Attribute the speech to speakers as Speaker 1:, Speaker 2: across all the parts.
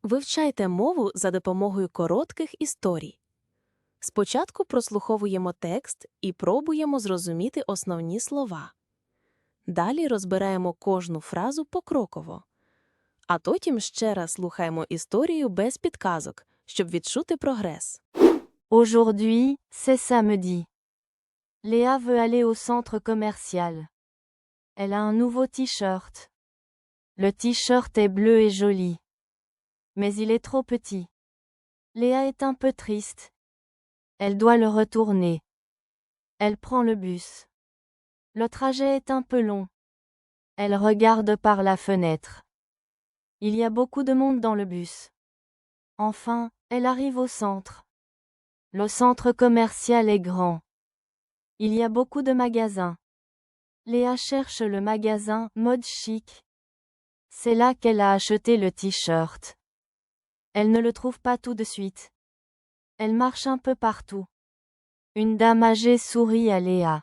Speaker 1: Вивчайте мову за допомогою коротких історій. Спочатку прослуховуємо текст і пробуємо зрозуміти основні слова. Далі розбираємо кожну фразу покроково. А потім ще раз слухаємо історію без підказок, щоб відчути прогрес.
Speaker 2: Aujourd'hui, c'est samedi. Léa veut aller au centre commercial. Elle a un nouveau t-shirt. Le t-shirt est bleu et joli. Mais il est trop petit. Léa est un peu triste. Elle doit le retourner. Elle prend le bus. Le trajet est un peu long. Elle regarde par la fenêtre. Il y a beaucoup de monde dans le bus. Enfin, elle arrive au centre. Le centre commercial est grand. Il y a beaucoup de magasins. Léa cherche le magasin Mode Chic. C'est là qu'elle a acheté le t-shirt. Elle ne le trouve pas tout de suite. Elle marche un peu partout. Une dame âgée sourit à Léa.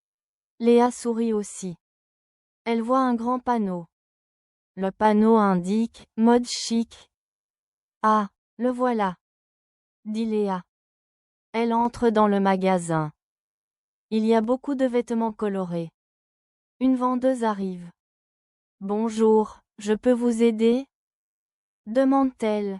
Speaker 2: Léa sourit aussi. Elle voit un grand panneau. Le panneau indique Mode Chic. Ah, le voilà, dit Léa. Elle entre dans le magasin. Il y a beaucoup de vêtements colorés. Une vendeuse arrive. Bonjour, je peux vous aider? Demande-t-elle.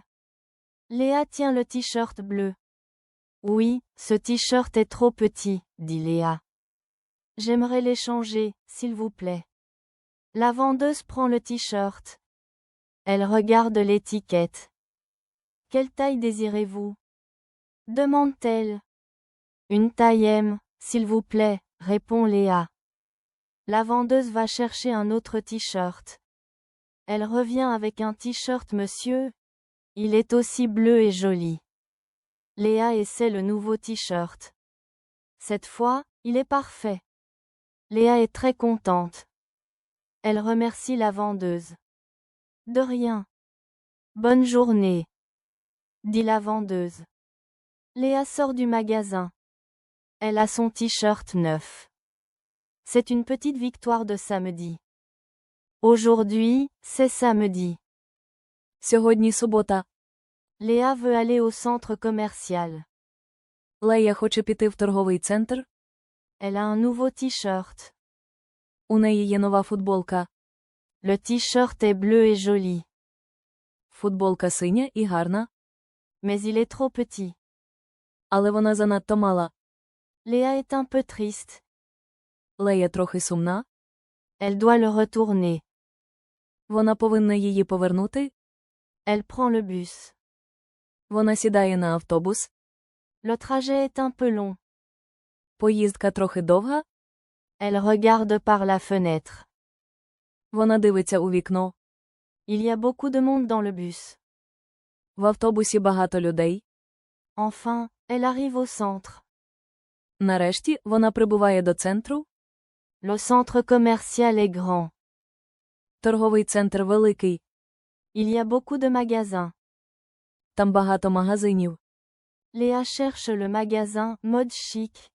Speaker 2: Léa tient le t-shirt bleu. Oui, ce t-shirt est trop petit, dit Léa. J'aimerais l'échanger, s'il vous plaît. La vendeuse prend le t-shirt. Elle regarde l'étiquette. Quelle taille désirez-vous? Demande-t-elle. Une taille M, s'il vous plaît, répond Léa. La vendeuse va chercher un autre t-shirt. Elle revient avec un t-shirt monsieur. Il est aussi bleu et joli. Léa essaie le nouveau t-shirt. Cette fois, il est parfait. Léa est très contente. Elle remercie la vendeuse. De rien. Bonne journée, dit la vendeuse. Léa sort du magasin. Elle a son t-shirt neuf. C'est une petite victoire de samedi. Aujourd'hui, c'est samedi.
Speaker 1: Сьогодні субота.
Speaker 2: Léa veut aller au centre commercial.
Speaker 1: Лея хоче піти в торговий центр.
Speaker 2: Elle a un nouveau t-shirt.
Speaker 1: У неї є нова футболка.
Speaker 2: Le t-shirt est bleu et joli.
Speaker 1: Футболка синя і гарна.
Speaker 2: Mais il est trop petit.
Speaker 1: Але вона занадто мала.
Speaker 2: Léa est un peu triste.
Speaker 1: Лея трохи сумна.
Speaker 2: Elle doit le retourner.
Speaker 1: Вона повинна її повернути.
Speaker 2: Elle prend le bus.
Speaker 1: Вона сідає на автобус.
Speaker 2: Le trajet est un peu long.
Speaker 1: Поїздка трохи довга.
Speaker 2: Elle regarde par la fenêtre.
Speaker 1: Вона дивиться у вікно.
Speaker 2: Il y a beaucoup de monde dans le bus.
Speaker 1: В автобусі багато людей.
Speaker 2: Enfin, elle arrive au centre.
Speaker 1: Нарешті, вона прибуває до центру.
Speaker 2: Le centre commercial est grand.
Speaker 1: Торговий центр великий.
Speaker 2: Il y a beaucoup de magasins.
Speaker 1: Там багато магазинів.
Speaker 2: Léa cherche le magasin Mode Chic.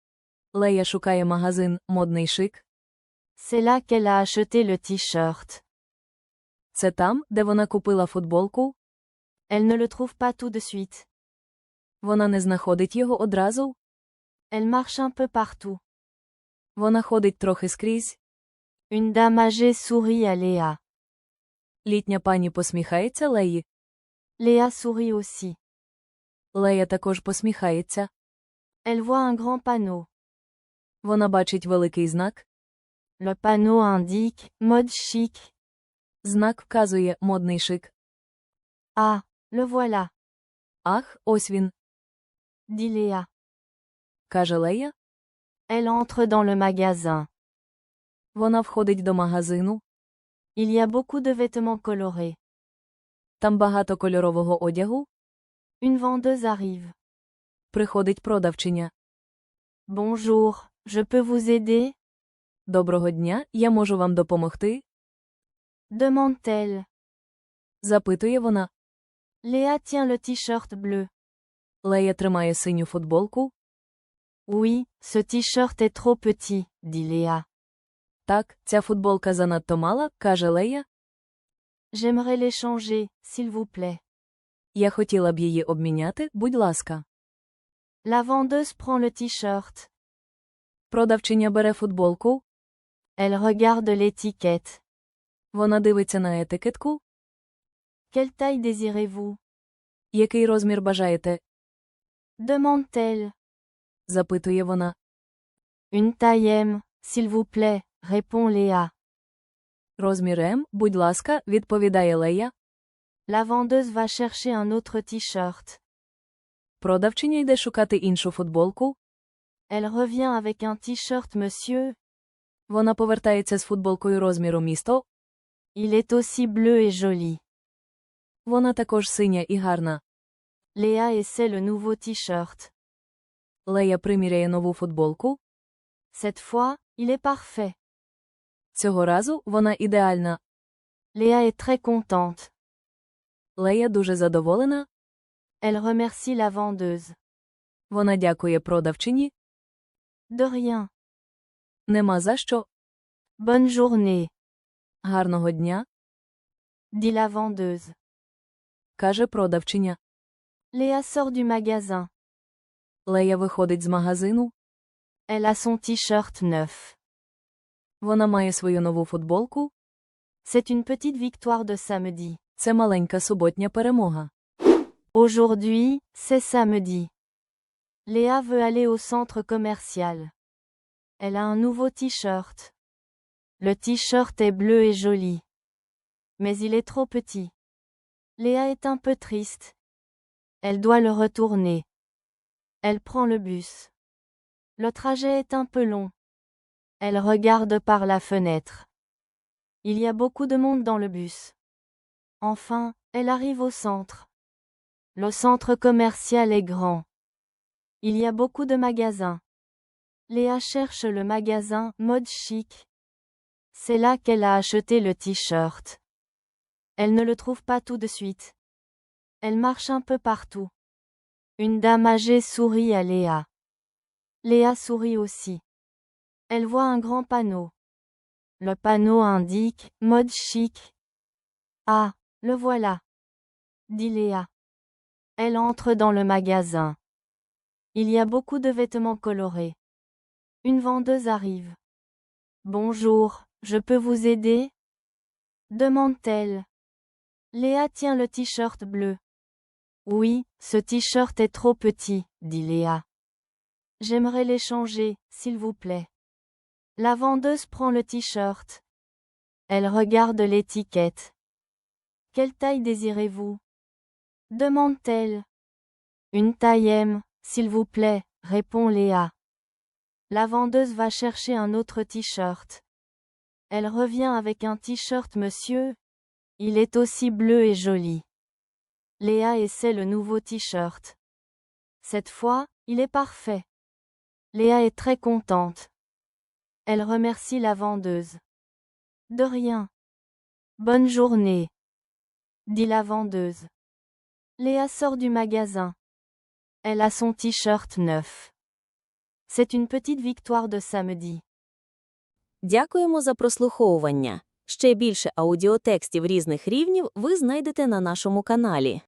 Speaker 1: Лея шукає магазин «Модний шик».
Speaker 2: C'est là qu'elle a acheté le t-shirt.
Speaker 1: Це там, де вона купила футболку.
Speaker 2: Elle ne le trouve pas tout de suite.
Speaker 1: Вона не знаходить його одразу.
Speaker 2: Elle marche un peu partout.
Speaker 1: Вона ходить трохи скрізь.
Speaker 2: Une dame âgée sourit à Léa.
Speaker 1: Літня пані посміхається Леї.
Speaker 2: Léa sourit aussi.
Speaker 1: Лея також посміхається.
Speaker 2: Elle voit un grand panneau.
Speaker 1: Вона бачить великий знак.
Speaker 2: Le panneau indique Mode Chic.
Speaker 1: Знак вказує «Модний шик».
Speaker 2: Ah, le voilà,
Speaker 1: Ах, ось він,
Speaker 2: dit Léa.
Speaker 1: каже Лея.
Speaker 2: Elle entre dans le magasin.
Speaker 1: Вона входить до магазину.
Speaker 2: Il y a beaucoup de vêtements colorés.
Speaker 1: Там багато кольорового одягу.
Speaker 2: Une vendeuse arrive.
Speaker 1: Приходить продавчиня.
Speaker 2: Bonjour, je peux vous aider?
Speaker 1: Доброго дня, я можу вам допомогти?
Speaker 2: Demande-t-elle.
Speaker 1: Запитує вона.
Speaker 2: Léa tient le t-shirt bleu.
Speaker 1: Лея тримає синю футболку.
Speaker 2: Oui, ce t-shirt est trop petit, dit Léa.
Speaker 1: Так, ця футболка занадто мала, каже Лея.
Speaker 2: J'aimerais l'échanger, s'il vous plaît.
Speaker 1: Я хотіла б її обміняти, будь ласка.
Speaker 2: La vendeuse prend le t-shirt.
Speaker 1: Продавчиня бере футболку.
Speaker 2: Elle regarde l'étiquette.
Speaker 1: Вона дивиться на етикетку.
Speaker 2: Quelle taille désirez-vous?
Speaker 1: Який розмір бажаєте?
Speaker 2: Demande-t-elle.
Speaker 1: Запитує вона.
Speaker 2: Une taille M, s'il vous plaît, répond Léa.
Speaker 1: Розмір М, будь ласка, відповідає Лея.
Speaker 2: La vendeuse va chercher un autre t-shirt.
Speaker 1: Продавчиня йде шукати іншу футболку.
Speaker 2: Elle revient avec un t-shirt monsieur.
Speaker 1: Вона повертається з футболкою розміру місто.
Speaker 2: Il est aussi bleu et joli.
Speaker 1: Вона також синя і гарна.
Speaker 2: Léa essaie le nouveau t-shirt.
Speaker 1: Лея приміряє нову футболку.
Speaker 2: Cette fois, il est parfait.
Speaker 1: Цього разу вона ідеальна.
Speaker 2: Léa est très contente.
Speaker 1: Лея дуже задоволена.
Speaker 2: Elle remercie la vendeuse.
Speaker 1: Вона дякує продавчині.
Speaker 2: De rien.
Speaker 1: Нема за що.
Speaker 2: Bonne journée,
Speaker 1: Гарного дня,
Speaker 2: dit la vendeuse.
Speaker 1: каже продавчиня.
Speaker 2: Léa sort du magasin.
Speaker 1: Лея виходить з магазину.
Speaker 2: Elle a son t-shirt neuf.
Speaker 1: Вона має свою нову футболку.
Speaker 2: C'est une petite victoire de samedi.
Speaker 1: Це маленька суботня перемога.
Speaker 2: Aujourd'hui, c'est samedi. Léa veut aller au centre commercial. Elle a un nouveau t-shirt. Le t-shirt est bleu et joli. Mais il est trop petit. Léa est un peu triste. Elle doit le retourner. Elle prend le bus. Le trajet est un peu long. Elle regarde par la fenêtre. Il y a beaucoup de monde dans le bus. Enfin, elle arrive au centre. Le centre commercial est grand. Il y a beaucoup de magasins. Léa cherche le magasin Mode Chic. C'est là qu'elle a acheté le t-shirt. Elle ne le trouve pas tout de suite. Elle marche un peu partout. Une dame âgée sourit à Léa. Léa sourit aussi. Elle voit un grand panneau. Le panneau indique « Mode chic ». Ah, le voilà, dit Léa. Elle entre dans le magasin. Il y a beaucoup de vêtements colorés. Une vendeuse arrive. Bonjour, je peux vous aider? Demande-t-elle. Léa tient le t-shirt bleu. Oui, ce t-shirt est trop petit, dit Léa. J'aimerais l'échanger, s'il vous plaît. La vendeuse prend le t-shirt. Elle regarde l'étiquette. Quelle taille désirez-vous? Demande-t-elle. Une taille M, s'il vous plaît, répond Léa. La vendeuse va chercher un autre t-shirt. Elle revient avec un t-shirt monsieur. Il est aussi bleu et joli. Léa essaie le nouveau t-shirt. Cette fois, il est parfait. Léa est très contente. Elle remercie la vendeuse. De rien. Bonne journée, dit la vendeuse. Léa sort du magasin. Elle a son t-shirt neuf. C'est une petite victoire de samedi.
Speaker 1: Дякуємо за прослуховування. Ще більше аудіотекстів різних рівнів ви знайдете на нашому каналі.